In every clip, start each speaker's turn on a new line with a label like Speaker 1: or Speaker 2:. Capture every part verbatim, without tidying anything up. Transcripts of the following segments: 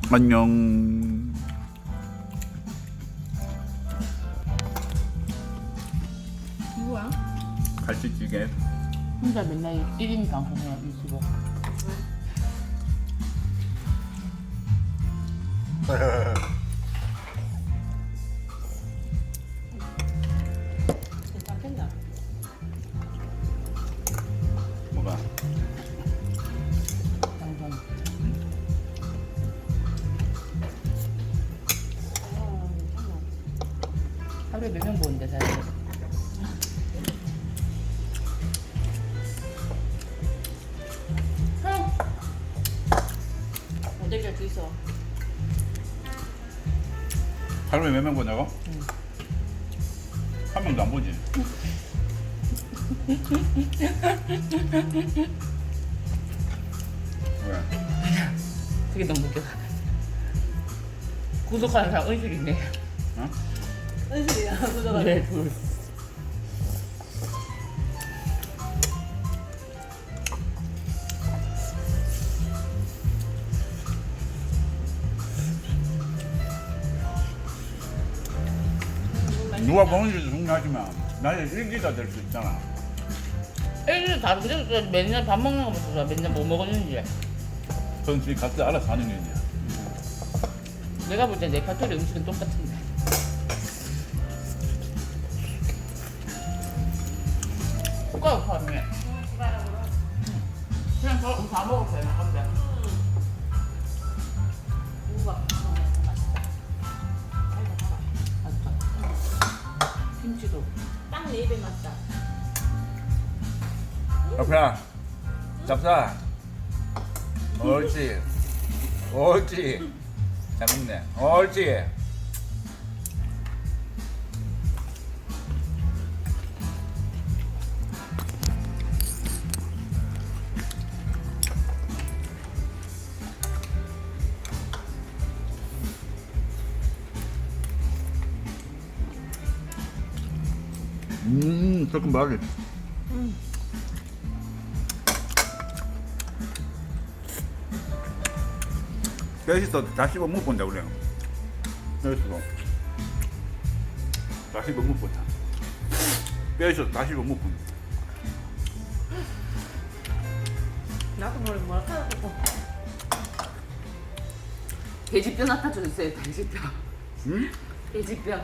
Speaker 1: 안녕.
Speaker 2: 누구야?
Speaker 1: 갈치찌개.
Speaker 2: 혼자 맨날 일 인 방송해요, 유튜브. 괜찮겠나?
Speaker 1: 뭐가?
Speaker 2: 방송. 하루에 몇 명 보는데, 사실. 어떻게 할 수 있어?
Speaker 1: 하루에 몇 명 보냐고?
Speaker 2: 응.
Speaker 1: 한 명도 안 보지. 왜?
Speaker 2: 그게 너무 웃겨. 구독하는 사람 은실 있네.
Speaker 1: 어?
Speaker 3: 은실이야 구독하
Speaker 2: 네, 둘.
Speaker 1: 누가 보는지도 중요하지만 나의 일기가 될 수 있잖아.
Speaker 2: 애들 다 그래서 맨날 밥 먹는 거 보면서 맨날 뭐 먹었는지.
Speaker 1: 그건 지금 각자 알아서 하는 일이야.
Speaker 2: 내가 볼 때 내 카톡의 음식은 똑같은데. 숟가락 파네. 그냥 저 다 먹어도 되나? 안 돼.
Speaker 3: 우와 맛있다.
Speaker 2: 맛있다. 김치도.
Speaker 3: 딱 내 입에 맞다.
Speaker 1: 잡사. 잡사. 옳지. 옳지. 잘 먹네. 옳지. 음, 조금 말이.
Speaker 2: 음.
Speaker 1: 맛있어. 다시 못 본다 우리. 맛있어. 다시 못 본다. 뼈 있어. 다시 못 본다.
Speaker 3: 나도 모르게 뭐라 카라고.
Speaker 2: 돼지뼈 나타줘 있어요, 돼지뼈.
Speaker 1: 응?
Speaker 2: 돼지뼈.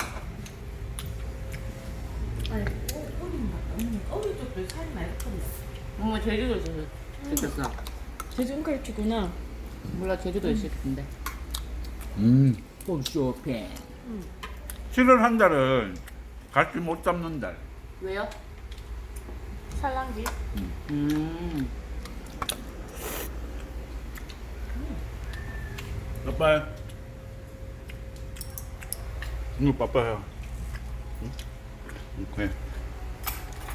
Speaker 3: 아니 어리 맞다. 음, 어리 쪽도 살이 많이 컸네.
Speaker 2: 어머, 제주도에서 시켰어.
Speaker 3: 제주도 갈치구나.
Speaker 2: 몰라, 제주도에 시켰는데.
Speaker 1: 음.
Speaker 2: 홈쇼핑.
Speaker 1: 칠월 한 달은 같이 못 잡는 달.
Speaker 2: 왜요?
Speaker 3: 살랑기.
Speaker 2: 음.
Speaker 1: 빠빠해. 이거 빠빠해. 응? 오케이.